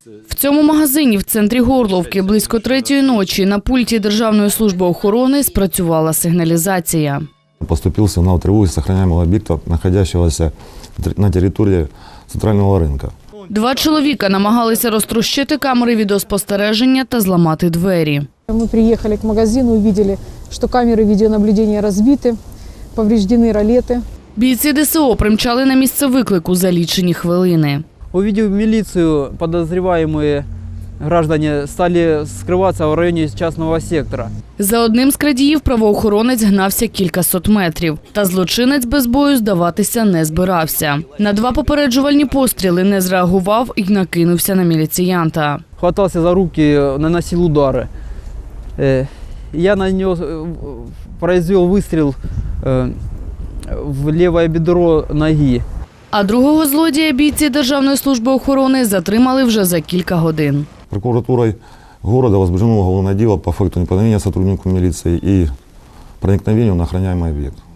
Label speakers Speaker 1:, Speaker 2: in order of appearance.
Speaker 1: В цьому магазині в центрі Горловки близько 3-ї ночі на пульті Державної служби охорони спрацювала сигналізація.
Speaker 2: Поступил сигнал тревоги с охраняемого объекта, находящегося на території центрального ринку.
Speaker 1: 2 чоловіка намагалися розтрощити камери відеоспостереження та зламати двері.
Speaker 3: Мы приехали к магазину, увидели, что камеры видеонаблюдения разбиты, повреждены ролеты.
Speaker 1: Бійці ДСО примчали на місце виклику за лічені хвилини.
Speaker 4: Увидев милицию, подозреваемые граждане стали скрываться в районе частного сектора.
Speaker 1: За одним з крадіїв правоохоронець гнався кількасот метрів. Та злочинець без бою здаватися не збирався. На 2 попереджувальні постріли не зреагував і накинувся на міліціянта.
Speaker 4: Хватался за руки, наносил удары. Я нанес, произвел выстрел в левое бедро ноги.
Speaker 1: А другого злодія бійці Державної служби охорони затримали вже за кілька годин.
Speaker 2: Прокуратурой города возбуждено уголовное дело по факту неповиновения сотруднику милиции и проникновению на охраняемый объект.